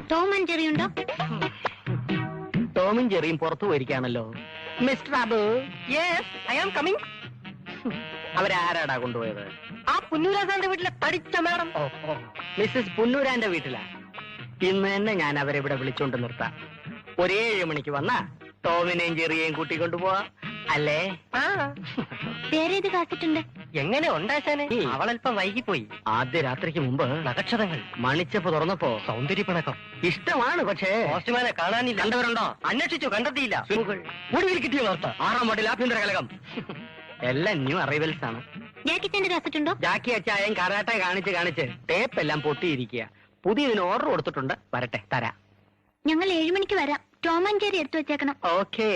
Tom and Jerry ഉണ്ടോ? ടോമും ജെറിയും പുറത്തു പോയിരിക്കാണല്ലോ. Mister Abu. Yes, I am coming. അവരാരാടാ കൊണ്ടുപോയത്? ആ പുന്നൂരാസാന്റെ വീട്ടിലെ തടിച്ച മാഡം. മിസ്സസ് പുന്നൂരാന്റെ വീട്ടിലാ. ഇന്ന് തന്നെ ഞാൻ അവരെ ഇവിടെ വിളിച്ചോണ്ട് നിർത്താം. ഒരു 7 മണിക്ക് വന്നാ ടോമിനെയും ജെറിയെയും കൂട്ടിക്കൊണ്ടുപോവാ അല്ലേ? ആ, വേറെ ഏത് കാത്തിട്ടുണ്ട്? എങ്ങനെ ഉണ്ടാശാനെ? അവളല്പം വൈകിപ്പോയി. ആദ്യ രാത്രിക്ക് മുമ്പ് നക്ഷത്രങ്ങൾ മണിച്ചപ്പ് തുറന്നപ്പോ സൗന്ദര്യപ്പിണക്കം ഇഷ്ടമാണ്. പക്ഷേ പോസ്റ്റ്മാനെ കാണാനില്ല. കണ്ടവരുണ്ടോ? അന്വേഷിച്ചു, കണ്ടെത്തിയില്ല. സുഖങ്ങൾ. ഒടുവിൽ കിട്ടിയ വാർത്ത 6-ാം വാർഡിൽ ആഭ്യന്തര കലകം. എല്ലാം ന്യൂ അറൈവൽസ് ആണ്. ജാക്കിച്ചന്റെ കാത്തിട്ടുണ്ടോ? ജാക്കി അച്ചായം കരാട്ടെ കാണിച്ച് ടേപ്പ് എല്ലാം പൊട്ടിയിരിക്കുക. പുതിയതിന് ഓർഡർ കൊടുത്തിട്ടുണ്ട്. വരട്ടെ, തരാം. ഞങ്ങൾ 7 മണിക്ക് വരാം. ടോം ആൻഡ് ജെറി എടുത്തു വെച്ചേക്കണം. ഓക്കേ.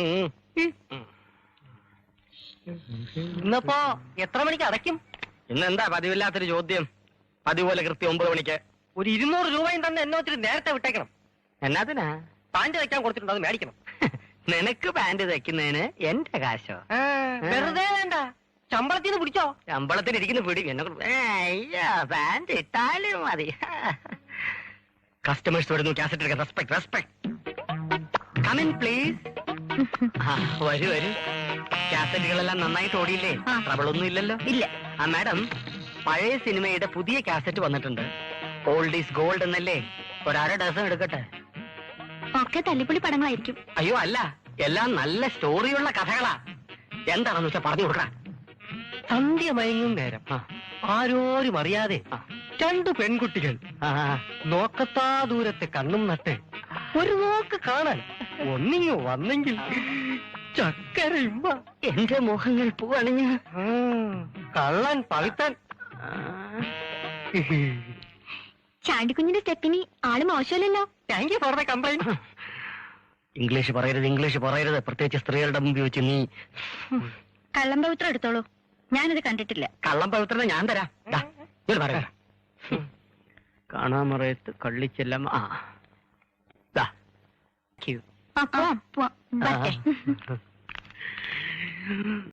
ഇന്നപ്പോ എത്ര മണിക്ക് അടയ്ക്കും? ഇന്നെന്താ പതിവില്ലാത്തൊരു ചോദ്യം? പതിവ് പോലെ കൃത്യം 9 മണിക്ക്. ഒരു 200 രൂപയും തന്നെ എന്നെ ഒത്തിരി നേരത്തെ വിട്ടേക്കണം. എന്നാത്തിനാ? പാൻറ് തയ്ക്കാൻ കൊടുത്തിട്ടുണ്ട്, അത് മേടിക്കണം. നിനക്ക് പാന്റ് തയ്ക്കുന്നതിന് എന്റെ കാശോ? വെറുതെ വേണ്ട, ശമ്പളത്തിൽ നിന്ന് പിടിച്ചോ. ശമ്പളത്തിന് ഇരിക്കുന്ന പിടി എന്നെ പാന്റ് ഇട്ടാലും മതി. കസ്റ്റമേഴ്സ് വരുന്നു. കാസറ്റ് എടുക്കാൻ. Respect, respect. Come in please. വരൂ വരൂ. കാസറ്റുകളെല്ലാം നന്നായിട്ട് ഓടിയില്ലേ? ആ. ട്രബിളൊന്നും ഇല്ലല്ലോ? ഇല്ല. ആ മാഡം, പഴയ സിനിമയുടെ പുതിയ കാസറ്റ് വന്നിട്ടുണ്ട്. ഓൾഡ് ഈസ് ഗോൾഡ് എന്നല്ലേ? ഒരര ഡസൻ എടുക്കട്ടെ? ഒക്കെ തല്ലിപ്പൊളി പടങ്ങളായിരിക്കും. അയ്യോ അല്ല, എല്ലാം നല്ല സ്റ്റോറിയുള്ള കഥകളാ. എന്താണെന്ന് വെച്ചാ പറഞ്ഞു കൊടുക്കാം. സന്ധ്യ മയങ്ങും നേരം ആരോരും അറിയാതെ 2 പെൺകുട്ടികൾ നോക്കത്താ ദൂരത്തെ കണ്ണും നട്ട് ഒരു നോക്ക് കാണാൻ ഒന്നിങ്ങോ വന്നെങ്കിൽ ചക്കരയുമ്പ. എന്റെ മോഹങ്ങൾ പൂവണിഞ്ഞ് കള്ളൻ പവിത്തൻ. ചാണ്ടിക്കുഞ്ഞിന്റെ സ്റ്റെപ്പിനി ആള് മോശമല്ലല്ലോ. Thank you for the complaint. English പറയരുത്. പ്രത്യേകിച്ച് സ്ത്രീകളുടെ മുമ്പിൽ വെച്ച് നീ. കള്ളം പവിത്രം എടുത്തോളൂ, ഞാനത് കണ്ടിട്ടില്ല. കള്ളം പവിത്രത ഞാൻ തരാം. പറയാ കാണാമറയത്ത് കള്ളിച്ചെല്ലാം. ആ ദാ. പോവാം.